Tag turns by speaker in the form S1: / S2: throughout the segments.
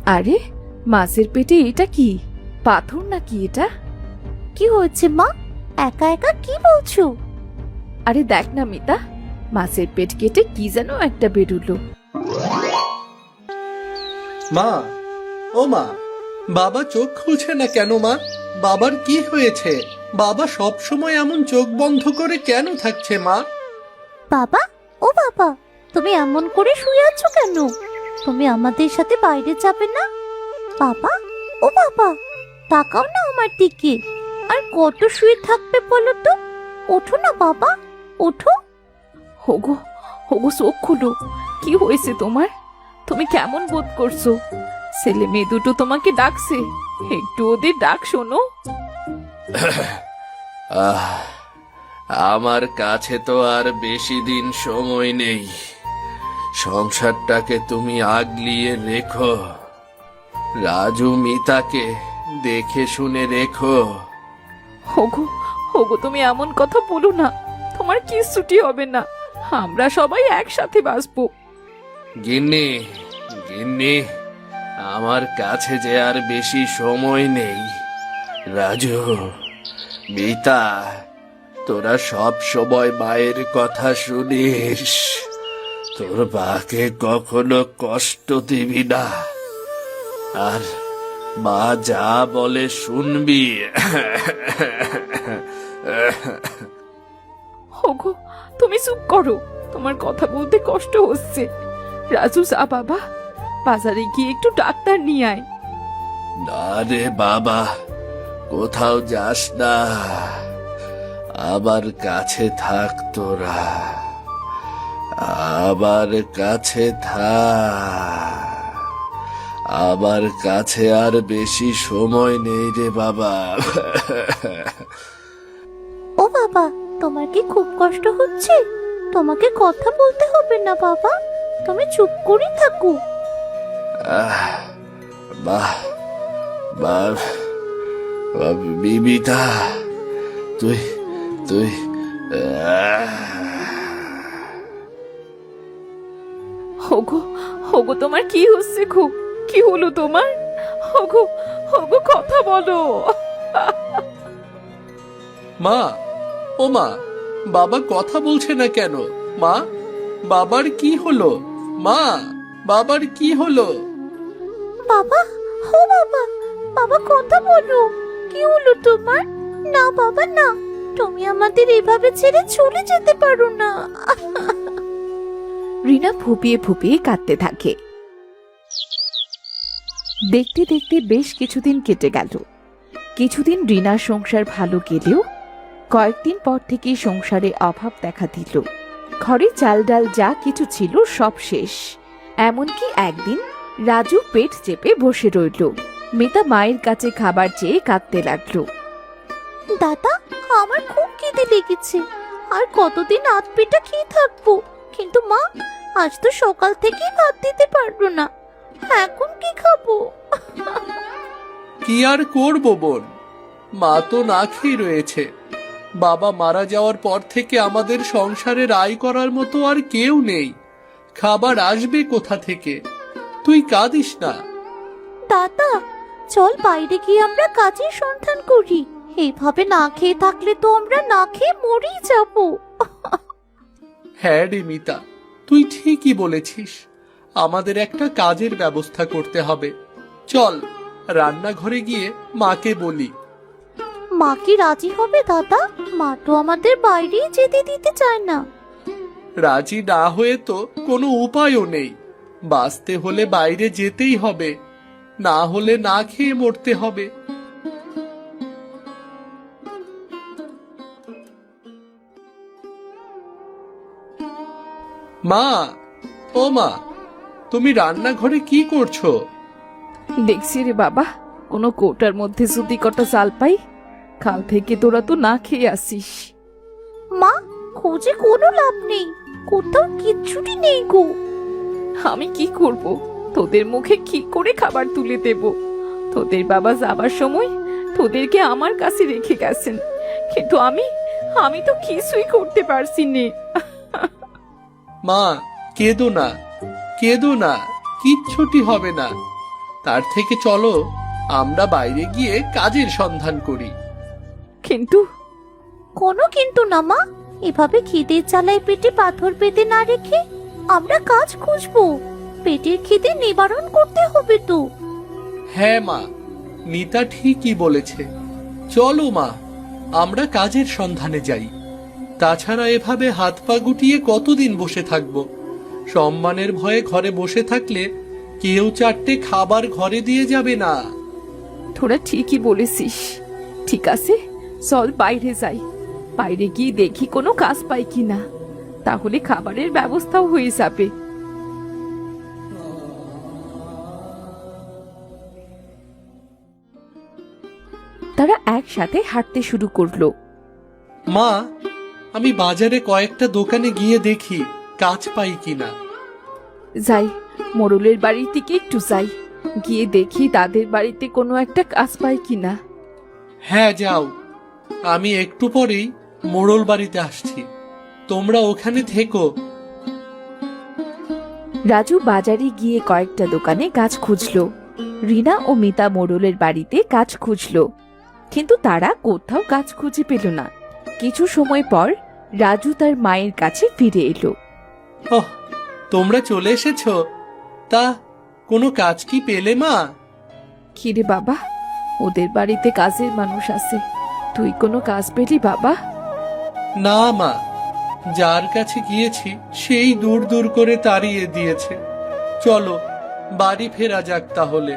S1: আরে মাছের পেটে এটা কি? পাথর নাকি এটা?
S2: কি হয়েছে মা? একা একা কি বলছো?
S1: আরে দেখ না মিতা, মাছের পেট কেটে কি যেন একটা বেরুলো।
S3: মা, ও মা, বাবা চোখ খুলছে না কেন মা? বাবার কি হয়েছে? বাবা সব সময় এমন চোখ বন্ধ করে কেন থাকছে মা?
S2: বাবা, ও বাবা, তুমি এমন করে শুয়ে আছো কেন? তুমি আমাদের সাথে বাইরে যাবে না? বাবা, ও বাবা, তাকাও না আমার দিকে। আর কত শুয়ে থাকবে বলো তো? ওঠো না বাবা, ওঠো।
S1: হোগো হোগো, চোখ খুলো। কি হয়েছে তোমার? তুমি কেমন বোধ করছো? ছেলে মেয়ে দুটো তোমাকে ডাকছে, একটু ওদের ডাক শোনো।
S3: আমার কাছে তো আর বেশি দিন সময় নেই। সংসারটাকে তুমি আগলিয়ে রেখো। রাজু মিতাকে দেখে শুনে রেখো।
S1: হোগো হোগো, তুমি এমন কথা বলো না। তোমার কিচ্ছুটি হবে না, আমরা সবাই একসাথে বাঁচবো।
S3: গিন্নি, গিন্নি, আমার কাছে যে আর বেশি সময় নেই। রাজু, মিতা, তোরা সব সময় মায়ের কথা শুনিস। তোর মাকে কখনো কষ্ট দিবি না, আর মা যা বলে শুনবি।
S1: হোগো, তুমি চুপ করো, তোমার কথা বলতে কষ্ট হচ্ছে। রাজু, যা বাবা, বাজারে গিয়ে একটু ডাক্তার নিয়ে আয়।
S3: না রে বাবা, কোথাও যাস না। আমার কাছে থাক তোরা, আমার কাছে থাক। আমার কাছে আর বেশি সময় নেই রে বাবা।
S2: ও বাবা, তোমার কি খুব কষ্ট হচ্ছে? তোমাকে কথা বলতে হবে না বাবা, তুমি চুপ করে থাকো।
S3: বাহ বাহ, বিবিতা, তুই তুই
S1: হোগো হোগো, তোমার কি হচ্ছে? খুব কি হলো তোমার? হোগো হোগো, কথা বলো।
S3: মা, ও মা, বাবা কথা বলছে না কেন? মা, বাবার কি হলো? মা, বাবার কি হলো?
S2: বাবা, ও বাবা, বাবা কথা বলো। কি হলো তোমার? না বাবা না, তুমি আমাদের এভাবে ছেড়ে চলে যেতে পারো না।
S1: রিনা ফুপিয়ে ফুপিয়ে কাঁদতে থাকে। দেখতে দেখতে বেশ কিছুদিন কেটে গেল। কিছুদিন রিনার সংসার ভালো গেলেও কয়েকদিন পর থেকে সংসারে অভাব দেখা দিল। ঘরে চাল ডাল যা কিছু ছিল সব শেষ। এমনকি একদিন রাজু পেট চেপে বসে রইল। মিতা মায়ের কাছে খাবার চেয়ে কাঁদতে লাগলো।
S2: দাদা, আমার খুব খিদে লেগেছে, আর কতদিন আধ পেটা খেয়ে থাকবো। কিন্তু মা, আজ তো সকাল থেকেই ভাত দিতে পারলো না, এখন কি খাবো?
S3: কি আর করবো বোন, মা তো না খেয়ে রয়েছে। বাবা মারা যাওয়ার পর থেকে আমাদের সংসারের আয় করার মতো আর কেউ নেই। খাবার আসবে কোথা থেকে? তুই কাঁদিস না।
S2: দাদা, চল বাইরে গিয়ে আমরা কাজের সন্ধান করি। এইভাবে না খেয়ে থাকলে তো আমরা না খেয়ে মরেই যাবো।
S3: হ্যাঁ রে মিতা, তুই ঠিকই বলেছিস। আমাদের একটা কাজের ব্যবস্থা করতে হবে। চল রান্নাঘরে গিয়ে মাকে বলি।
S2: মা কি রাজি হবে দাদা? মা তো আমাদের বাইরেই যেতে দিতে চায় না।
S3: রাজি না হয়ে তো কোনো উপায়ও নেই। বাঁচতে হলে বাইরে যেতেই হবে, না হলে না খেয়ে মরতে হবে। মা, ও মা, তুমি রান্নাঘরে কি করছো?
S1: দেখছি রে বাবা, কোনো কৌটার মধ্যে যদি কটা চাল পাই। কাল থেকে তোরা তো না খেয়ে আসিস।
S2: মা, খোঁজে কোনো লাভ নেই, কোথাও কিচ্ছুটি নেই গো।
S1: আমি কি করব? তোদের মুখে কি করে খাবার তুলে দেব? তোদের বাবা যাবার সময় তোদেরকে আমার কাছে রেখে গেছেন, কিন্তু আমি তো কিছুই করতে পারছি নে।
S3: মা, কেঁদো না, কেঁদো না, কিচ্ছুটি হবে না। তার থেকে চলো আমরা বাইরে গিয়ে কাজের সন্ধান করি।
S1: কিন্তু
S2: কোনো কিন্তু না মা, এভাবে খিদের জ্বালায় পেটে পাথর পেতে না রেখে আমরা কাজ খুঁজবো। পেটের খিদে নিবারণ করতে হবে তো।
S3: হ্যাঁ মা, নিতা ঠিকই বলেছে। চলো মা, আমরা কাজের সন্ধানে যাই। তাছাড়া এভাবে হাত পা গুটিয়ে কতদিন বসে থাকবো? সম্মানের ভয়ে ঘরে বসে থাকলে কেউ চারটে খাবার ঘরে দিয়ে যাবে না।
S1: তোরা ঠিকই বলেছিস। ঠিক আছে, চল বাইরে যাই। বাইরে গিয়ে দেখি কোনো কাজ পাই কিনা, তাহলে খাবারের ব্যবস্থাও হয়ে যাবে। তারা একসাথে হাঁটতে শুরু করলো।
S3: মা, আমি বাজারে কয়েকটা দোকানে গিয়ে দেখি কাজ পাই কিনা।
S1: যাই, মোড়লের বাড়ির দিকে একটু যাই, গিয়ে দেখি তাদের বাড়িতে কোনো একটা কাজ পাই কিনা।
S3: হ্যাঁ যাও, আমি একটু পরেই মোড়ল বাড়িতে আসছি, তোমরা ওখানে থেকো।
S1: রাজু বাজারে গিয়ে কয়েকটা দোকানে কাজ খুঁজলো। রিনা ও মিতা মোড়লের বাড়িতে কাজ খুঁজলো, কিন্তু তারা কোথাও কাজ খুঁজে পেল না। কিছু সময় পর রাজু তার মায়ের কাছে ফিরে এলো।
S3: ওহ, তোমরা চলে এসেছো? তা কোনো কাজ কি পেলে মা?
S1: কিরে বাবা, ওদের বাড়িতে কাজের মানুষ আছে, তুই কোনো কাজ পেলি বাবা?
S3: না মা, যার কাছে গিয়েছি সেই দূর দূর করে তাড়িয়ে দিয়েছে। চলো বাড়ি ফেরা যাক তাহলে।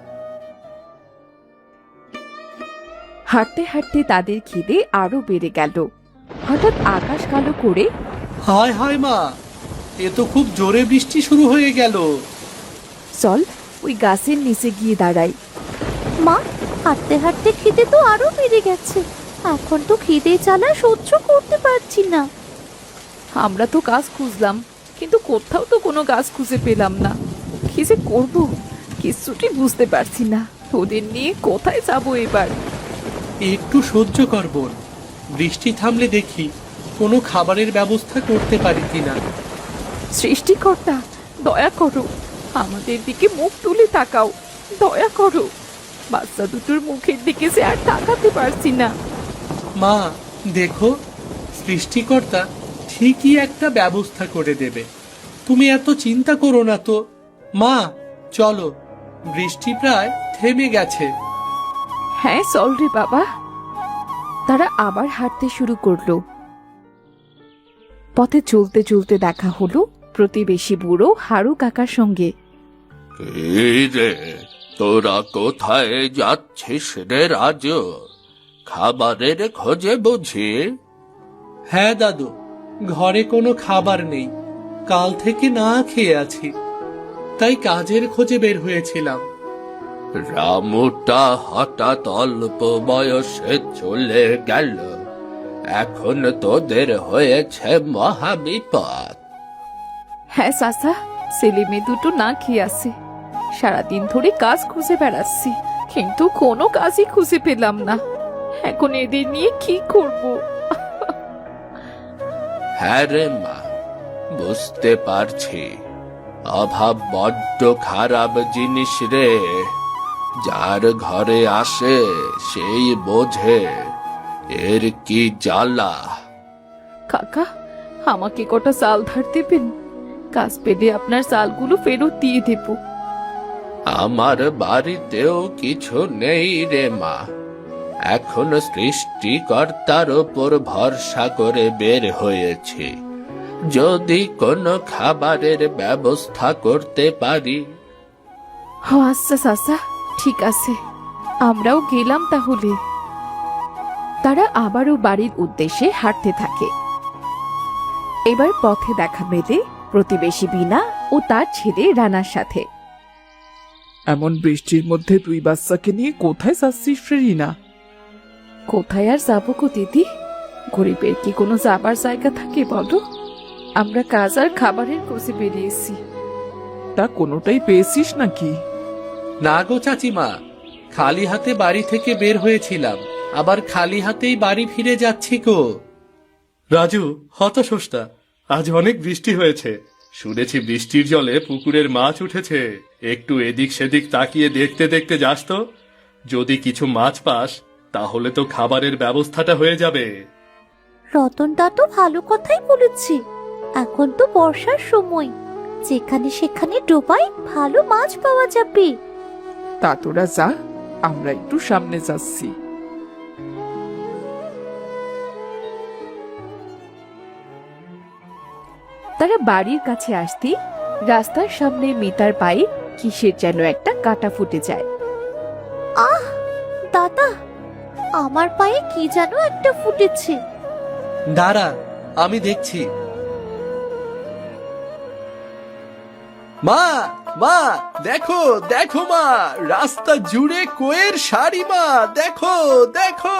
S1: হাঁটতে হাঁটতে তাদের খিদে আরো বেড়ে গেল। হঠাৎ আকাশ কালো করে
S3: হায় হায় মা, এ তো খুব জোরে বৃষ্টি শুরু হয়ে গেল।
S1: চল ওই গাছের নিচে গিয়ে দাঁড়াই।
S2: মা, হাঁটতে হাঁটতে খিদে তো আরো বেড়ে গেছে। এখন তো খিদে জ্বালা সহ্য করতে পারছি না।
S1: আমরা তো কাজ খুঁজলাম, কিন্তু কোথাও তো কোনো কাজ খুঁজে পেলাম না। কি যে করবো কিছুটি বুঝতে পারছি না। ওদের নিয়ে কোথায় যাবো এবার?
S3: একটু সহ্য কর বোন, বৃষ্টি থামলে দেখি কোনো খাবারের ব্যবস্থা করতে পারি কিনা।
S1: সৃষ্টিকর্তা, দয়া করো, আমাদের দিকে মুখ তুলে তাকাও, দয়া করো। বাচ্চা দুটোর মুখের দিকে সে আর তাকাতে পারছি না।
S3: মা দেখো, সৃষ্টিকর্তা ঠিকই একটা ব্যবস্থা করে দেবে, তুমি এত চিন্তা করো না তো। মা চলো, বৃষ্টি প্রায় থেমে গেছে।
S1: হ্যাঁ চল রে বাবা। তারা আবার হাঁটতে শুরু করলো। পথে চলতে চলতে দেখা হলো প্রতিবেশী বুড়ো হারু কাকার সঙ্গে।
S4: এই রে, তোরা কোথায় যাচ্ছিস রে রাজু? খাবারের খোঁজে বুঝি?
S3: হ্যাঁ দাদু, ঘরে কোনো খাবার নেই, কাল থেকে না খেয়ে আছি, তাই কাজের খোঁজে বের হয়েছিলাম।
S4: রামুটা হঠাৎ অল্প বয়সে চলে গেল, এখন তোদের হয়েছে মহাবিপদ।
S1: হ্যাঁ চাচা, ছেলে মেয়ে দুটো না খেয়ে আছে। সারাদিন ধরে কাজ খুঁজে বেড়াচ্ছি, কিন্তু কোনো কাজই খুঁজে পেলাম না। এখন এদের নিয়ে কি করব?
S4: হ্যাঁ রে মা, বুঝতে পারছি, অভাব বড্ড খারাপ জিনিস রে। যার ঘরে আসে সেই বোঝে এর কি জ্বালা।
S1: কাকা, আমাকে কটা চাল ধার দেবেন? কাজ পেলে আপনার চালগুলো ফেরত দিয়ে দেব।
S4: আমার বাড়িতেও কিছু নেই রে মা, এখন সৃষ্টিকর্তার ওপর ভরসা করে বের হয়েছি। যদি কোনো খাবারের ব্যবস্থা করতে পারি।
S1: আচ্ছা চাচা, ঠিক আছে, আমরাও গেলাম তাহলে। তারা আবারও বাড়ির উদ্দেশ্যে হাঁটতে থাকে। এবার পথে দেখা মেলে প্রতিবেশী বিনা ও তার ছেলে রানার সাথে।
S5: এমন বৃষ্টির মধ্যে তুই বাচ্চাকে নিয়ে কোথায় যাচ্ছিস রিনা?
S1: কোথায় আর যাবো গো দিদি? গরিবের কি কোনো যাবার জায়গা থাকে বলো? আমরা কাজ আর খাবারের খোঁজে বেরিয়েছি।
S5: তা কোনোটাই পেয়েছিস নাকি?
S3: না গো চাচিমা, খালি হাতে বাড়ি থেকে বের হয়েছিলাম, আবার খালি হাতেই বাড়ি ফিরে যাচ্ছি গো। রাজু হতাশোস না, আজ অনেক বৃষ্টি হয়েছে, শুনেছি বৃষ্টির জলে পুকুরের মাছ উঠেছে, একটু এদিক সেদিক তাকিয়ে দেখতে দেখতে যাস তো। যদি কিছু মাছ পাস তাহলে তো খাবারের ব্যবস্থাটা হয়ে যাবে।
S2: রতনদা তো ভালো কথাই বলেছি। এখন তো বর্ষার সময়, যেখানে সেখানে ডোবায় ভালো মাছ পাওয়া যাবে।
S5: তা তোরা যা, আমরা একটু সামনে যাচ্ছি।
S1: তারা বাড়ির কাছে আসতেই রাস্তার সামনে মিতার পায়ে কিসের যেন একটা কাঁটা ফুটে যায়।
S2: আহ দাদা, আমার পায়ে কি যেন একটা ফুটেছে।
S3: দাঁড়া, আমি দেখছি। মা, মা, দেখো দেখো মা, রাস্তা জুড়ে কোয়ের শাড়ি মা, দেখো দেখো।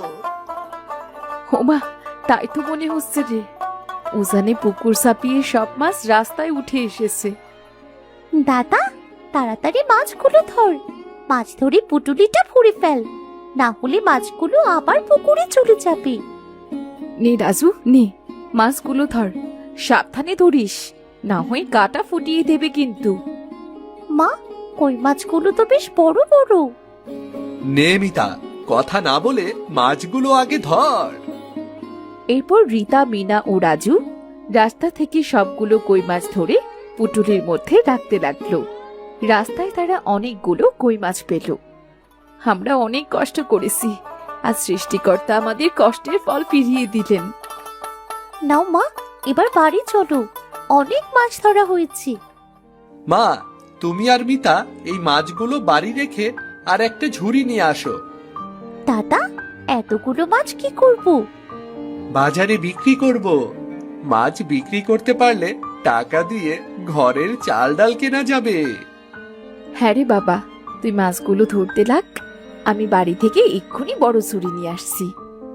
S1: ওমা, তাই তো মনে হচ্ছে রে, উজানে পুকুর ছাপিয়ে সব মাছ রাস্তায় উঠে এসেছে।
S2: দাদা, তাড়াতাড়ি মাছগুলো ধর। মাছ ধরে পুটুলিটা ভরে ফেল, না হলে মাছগুলো আবার পুকুরে চলে যাবে।
S1: নে রাজু, নে মাছগুলো ধর, সাবধানে ধরিস, না হয় কাঁটা ফুটিয়ে দেবে কিন্তু।
S2: মা, কই মাছগুলো তো বেশ বড় বড়।
S3: নে মিতা, কথা না বলে মাছগুলো আগে ধর।
S1: এরপর রীতা, মিনা ও রাজু রাস্তা থেকে সবগুলো কই মাছ ধরে পুটুলির মধ্যে রাখতে লাগলো। রাস্তায় তারা অনেকগুলো কই মাছ পেল। আমরা অনেক কষ্ট করেছি, আজ সৃষ্টিকর্তা আমাদের কষ্টের ফল ফিরিয়ে দিলেন।
S2: নাও মা, এবার বাড়ি চলো, অনেক মাছ ধরা হয়েছে।
S3: মা, তুমি আর মিতা এই মাছগুলো বাড়ি রেখে আর একটা ঝুড়ি নিয়ে আসো।
S2: দাদা, এতগুলো মাছ কি করব?
S3: বাজারে বিক্রি করব। মাছ বিক্রি করতে পারলে টাকা দিয়ে ঘরের চাল ডাল কেনা যাবে।
S1: হ্যাঁ রে বাবা, তুই মাছগুলো ধরতে লাগ, আমি বাড়ি থেকে এক্ষুনি বড় ছুরি নিয়ে আসছি।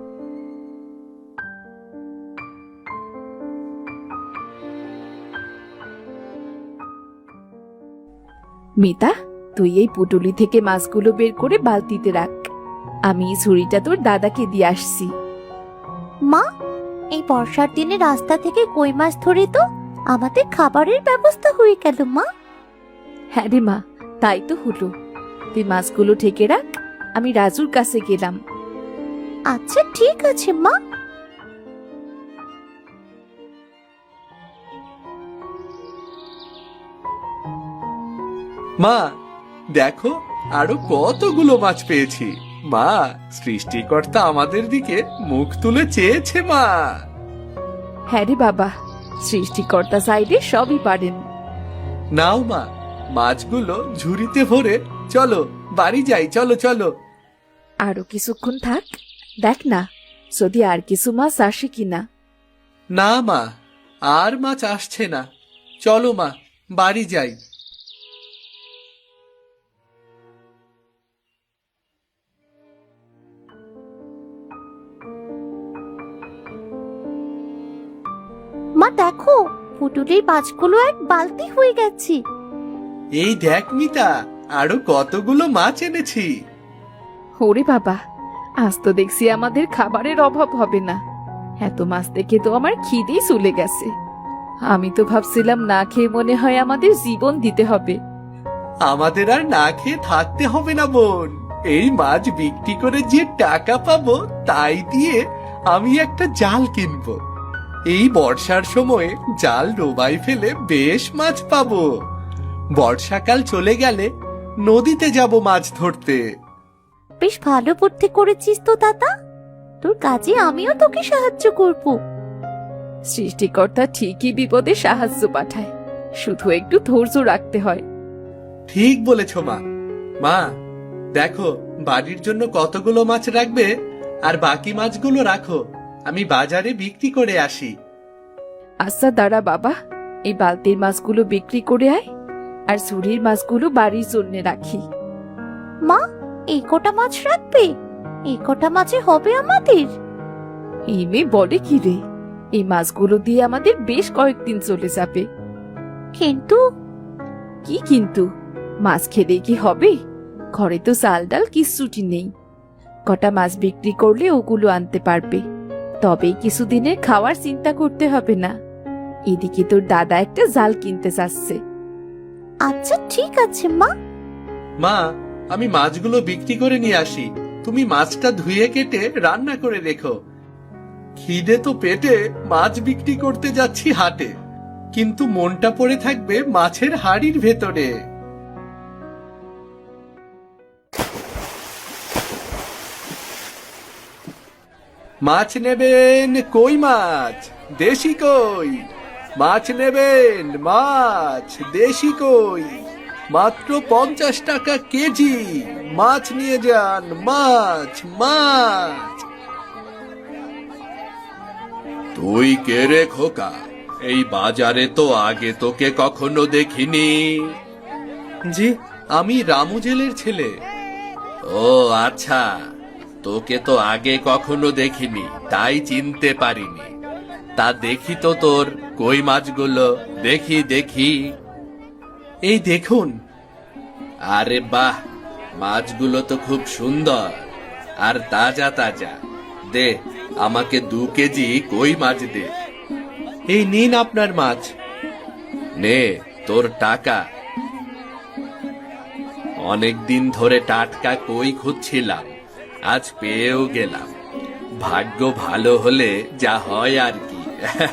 S1: মিতা, তুই এই পুটুলি থেকে মাছগুলো বের করে বালতিতে রাখ, আমি এই ছুরিটা তোর দাদাকে দিয়ে আসছি।
S2: মা, এই বর্ষার দিনে রাস্তা থেকে কই মাছ ধরে তো আমাদের খাবারের ব্যবস্থা হয়ে গেল। মা,
S1: হ্যাঁ রে মা, তাই তো হলো। তুই মাছগুলো ঢেকে রাখ, আমি রাজুর কাছে গেলাম।
S2: আচ্ছা ঠিক আছে মা।
S3: মা, দেখো আরো কতগুলো মাছ পেয়েছি। মা, সৃষ্টিকর্তা আমাদের দিকে মুখ তুলে চেয়েছে মা।
S1: হ্যাঁ রে বাবা, সৃষ্টিকর্তা সাইডে সবই পারেন।
S3: নাও মা, মাছগুলো ঝুড়িতে ভরে চলো বাড়ি যাই, চলো চলো।
S1: আরো কিছুক্ষণ থাক, দেখ না যদি আর কিছু মাছ আসে কিনা।
S3: না মা, আর মাছ আসছে না, চলো মা বাড়ি যাই।
S2: মা দেখো, পুটুলির মাছগুলো এক বালতি হয়ে গেছে।
S3: এই দেখ মিতা, আরো কতগুলো মাছ এনেছি।
S1: ওরে বাবা, আজ তো দেখছি আমাদের খাবারের অভাব হবে না। এত মাছ দেখে তো আমার খিদেই চলে গেছে। আমি তো ভাবছিলাম না খেয়ে মনে হয় আমাদের জীবন দিতে হবে।
S3: আমাদের আর না খেয়ে থাকতে হবে না বোন। এই মাছ বিক্রি করে যে টাকা পাবো তাই দিয়ে আমি একটা জাল কিনবো। এই বর্ষার সময়ে জাল ডোবায় ফেলে বেশ মাছ পাবো। বর্ষাকাল চলে গেলে নদীতে যাব মাছ ধরতে।
S2: বেশ ভালো বুদ্ধি করেছিস তো দাদা, তোর কাজে আমিও তোকে সাহায্য করব।
S1: সৃষ্টিকর্তা ঠিকই বিপদে সাহায্য পাঠায়, শুধু একটু ধৈর্য রাখতে হয়।
S3: ঠিক বলেছ মা। মা, দেখো বাড়ির জন্য কতগুলো মাছ রাখবে, আর বাকি মাছগুলো রাখো, আমি বাজারে বিক্রি করে আসি।
S1: আচ্ছা দাঁড়া বাবা, এই বালতির মাছগুলো বিক্রি করে আয়, আর ঝুড়ির মাছগুলো বাড়ির জন্য রাখি।
S2: মা, এই কটা মাছ রাখবে? এই কটা মাছে হবে আমাদের?
S1: এই মেয়ে বলে কি রে, এই মাছগুলো দিয়ে আমাদের বেশ কয়েকদিন চলে যাবে।
S2: কিন্তু
S1: কি কিন্তু? মাছ খেলে কি হবে? ঘরে তো চাল ডাল কিচ্ছুটি নেই। কটা মাছ বিক্রি করলে ওগুলো আনতে পারবে, তবেই কিছুদিনের খাওয়ার চিন্তা করতে হবে না। এদিকে তোর দাদা একটা জাল কিনতে চাচ্ছে।
S2: আচ্ছা ঠিক আছে মা।
S3: মা, আমি মাছগুলো বিক্রি করে নিয়ে আসি, তুমি মাছটা ধুয়ে কেটে রান্না করে রেখো। খিদে তো পেটে মাছ বিক্রি করতে যাচ্ছি হাটে, কিন্তু মনটা পড়ে থাকবে মাছের হাড়ির ভেতরে। মাছ নেবেন? কই মাছ? দেশি কই? মাছ নেবেন? মাছ দেশি কই? মাত্র 50 টাকা কেজি। মাছ নিয়ে যান, মাছ মাছ।
S4: তুই কে রে খোকা? এই বাজারে তো আগে তোকে কখনো দেখিনি।
S3: জি, আমি রামু জেলের ছেলে।
S4: ও আচ্ছা, তোকে তো আগে কখনো দেখিনি, তাই চিনতে পারিনি। তা দেখি তো তোর কই মাছগুলো, দেখি দেখি।
S3: এই দেখুন।
S4: আরে বাহ, মাছগুলো তো খুব সুন্দর আর তাজা তাজা। দে, আমাকে 2 কেজি কই মাছ দে।
S3: এই নিন আপনার মাছ।
S4: নে তোর টাকা। অনেকদিন ধরে টাটকা কই খুঁজছিলাম, আজ পেয়েও গেলাম। ভাগ্য ভালো হলে যা হয় আর কি।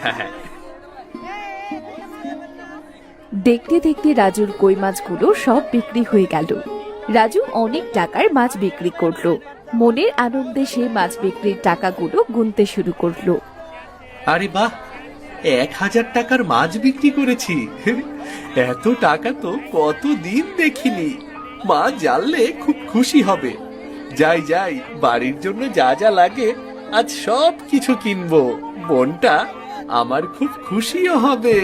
S1: দেখতে দেখতে রাজুর কই মাছগুলো সব বিক্রি হয়ে গেল। রাজু অনেক টাকার মাছ বিক্রি করলো। মনের আনন্দে সে মাছ বিক্রির টাকাগুলো গুনতে শুরু করলো।
S3: আরে বাহ, 1000 টাকার মাছ বিক্রি করেছি। এত টাকা তো কতদিন দেখিনি। মা জানলে খুব খুশি হবে। যাই যাই, বাড়ির জন্য যা যা লাগে আজ সব কিছু কিনবো। বোনটা আমার খুব খুশিও হবে।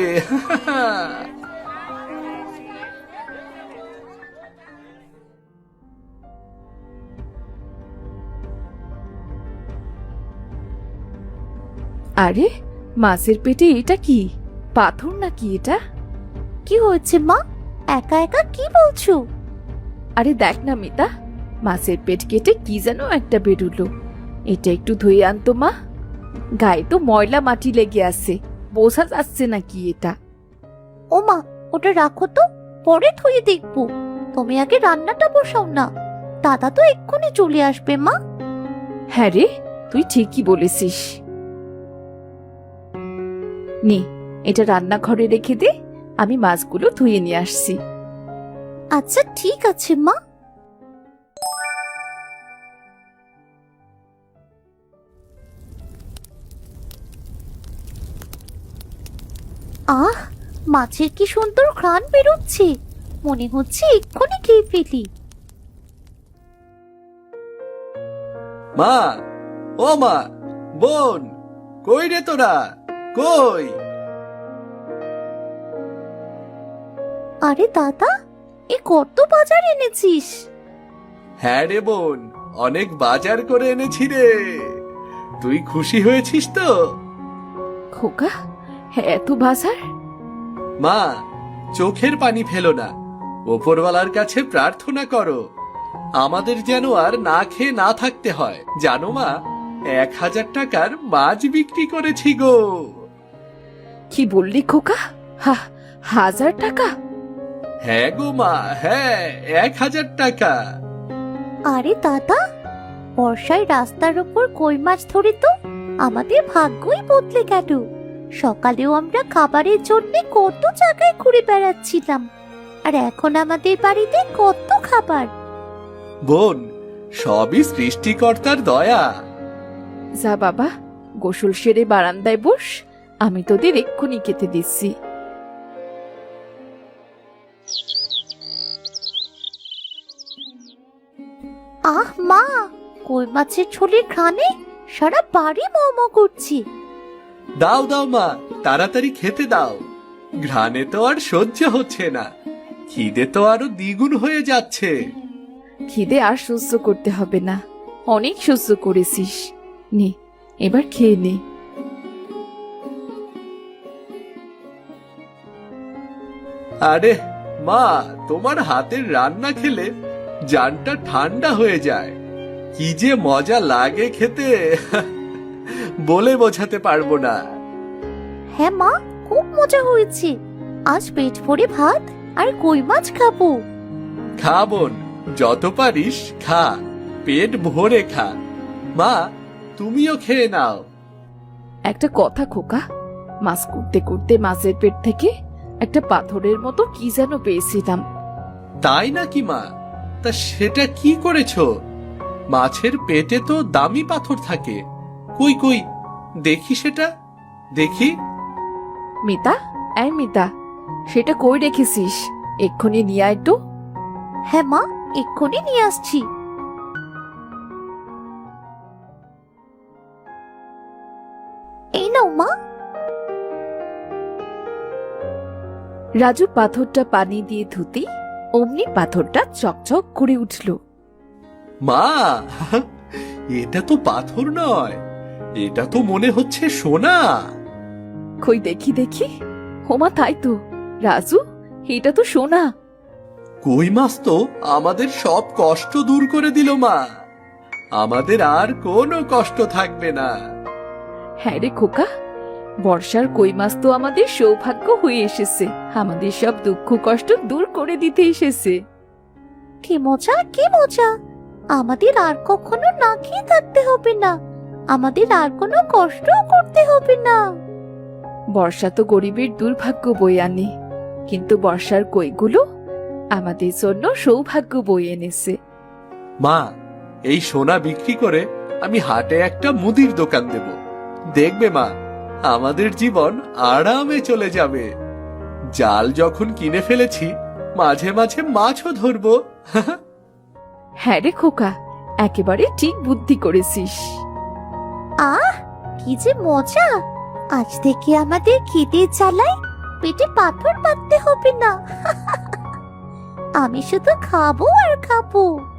S1: আরে, মাছের পেটে এটা কি? পাথর নাকি এটা?
S2: কি হয়েছে মা? একা একা কি বলছো?
S1: আরে দেখ না মিতা, মাছের পেট কেটে কি যেন একটা বেরুলো। এটা একটু ধুয়ে আনতো মা। গায়ে তো ময়লা মাটি লেগে আছে, বোঝা যাচ্ছে না কি এটা।
S2: ও মা, ওটা রাখো তো, পরে ধুয়ে দেখবো। তুমি আগে রান্নাটা বসাও না, দাদা তো এক্ষুনি চলে আসবে মা।
S1: হ্যাঁ রে, তুই ঠিকই বলেছিস। নে, এটা রান্নাঘরে রেখে দে, আমি মাছগুলো ধুয়ে নিয়ে আসছি।
S2: আচ্ছা ঠিক আছে মা। আহ, মাছের কি সুন্দর ঘ্রাণ বেরোচ্ছে, মনে হচ্ছে এক্ষুনি খেয়ে ফেলি।
S3: মা, ও মা, বোন, কই রে তোরা? কই?
S2: আরে দাদা, এ কত বাজার এনেছিস?
S3: হ্যাঁ রে বোন, অনেক বাজার করে এনেছি রে। তুই খুশি হয়েছিস তো?
S1: খোকা, হ্যাঁ এত বাজার?
S3: মা, চোখের পানি ফেলো না, ওপরওয়ালার কাছে প্রার্থনা করো আমাদের যেন আর না খেয়ে না থাকতে হয়। জানো মা, 1000 টাকার মাছ বিক্রি করেছি গো।
S1: কি বললি খোকা? 1000 টাকা?
S3: হ্যাঁ গো মা, হ্যাঁ, 1000 টাকা।
S2: আরে দাদা, বর্ষায় রাস্তার উপর কই মাছ ধরে তো আমাদের ভাগ্যই বদলে গেল। সকালেও আমরা খাবারের জন্য কত জায়গায় ঘুরে বেড়াচ্ছিলাম, আর এখন আমাদের বাড়িতে কত খাবার।
S3: বোন, সবই সৃষ্টিকর্তার দয়া।
S1: যা বাবা, গোসল সেরে বারান্দায় বস, আমি তোদের এক্ষুনি খেতে দিচ্ছি।
S2: আহ মা, কই মাছের ঝোলের ঘ্রাণে সারা বাড়ি মোমো করছি।
S3: দাও দাও মা, তাড়াতাড়ি খেতে দাও। ঘ্রাণে তো আর সহ্য হচ্ছে না, খিদে তো আরো দ্বিগুণ হয়ে যাচ্ছে।
S1: খিদে আর সহ্য করতে হবে না, অনেক সহ্য করেছিস। নে, এবার খেয়ে নে।
S3: আরে মা, তোমার হাতের রান্না খেলে জানটা ঠান্ডা হয়ে যায়। কি যে মজা লাগে খেতে, বলে বোঝাতে পারবো না।
S2: হ্যাঁ মা, খুব মজা হয়েছে। আজ পেট ভরে ভাত আর কই মাছ খাবো।
S3: খা বোন, যত পারিস খা, পেট ভরে খা। মা, তুমিও খেয়ে নাও।
S1: একটা কথা খোকা, মাছ করতে করতে মাছের পেট থেকে একটা পাথরের মতো কি যেন পেয়েছিলাম।
S3: তাই নাকি মা? তা সেটা কি করেছো? মাছের পেটে তো দামি পাথর থাকে। কই কই, দেখি সেটা, দেখি।
S1: মিতা, এই মিতা, সেটা কই রেখেছিস? এক্ষুনি নিয়ে আয় তো।
S2: হ্যাঁ মা, এক্ষুনি নিয়ে আসছি। এই নাও মা।
S1: রাজু পাথরটা পানি দিয়ে ধুতি অমনি পাথরটা চকচক করে উঠল।
S3: মা, এটা তো পাথর নয়, এটা তো মনে হচ্ছে সোনা।
S1: কই দেখি দেখি। হোমা, তাই তো রাজু, এটা তো সোনা।
S3: কই মাছ তো আমাদের সব কষ্ট দূর করে দিল মা। আমাদের আর কোনো কষ্ট থাকবে না।
S1: হ্যাঁ রে খোকা, বর্ষার কই মাছ তো আমাদের সৌভাগ্য হয়ে এসেছে, আমাদের সব দুঃখ কষ্ট দূর করে দিতে এসেছে।
S2: কি মজা, কি মজা! আমাদের আর কখনো না খেয়ে থাকতে হবে না, আমাদের আর কোনো কষ্টও করতে হবে না।
S1: বর্ষা তো গরিবের দুর্ভাগ্য বয়ে আনে, কিন্তু বর্ষার কইগুলো আমাদের জন্য সৌভাগ্য বয়ে এনেছে।
S3: মা, এই সোনা বিক্রি করে আমি হাটে একটা মুদির দোকান দেব। দেখবে মা, আমাদের জীবন আরামে চলে যাবে। জাল যখন কিনে ফেলেছি, মাঝে মাঝে মাছও ধরবো।
S1: হ্যাঁ রে খোকা, একেবারে ঠিক বুদ্ধি করেছিস।
S2: আহ, কি যে মজা! আজ থেকে আমাদের খিদে জ্বালায় পেটে পাথর বাঁধতে হবে না। আমি শুধু খাবো আর খাবো।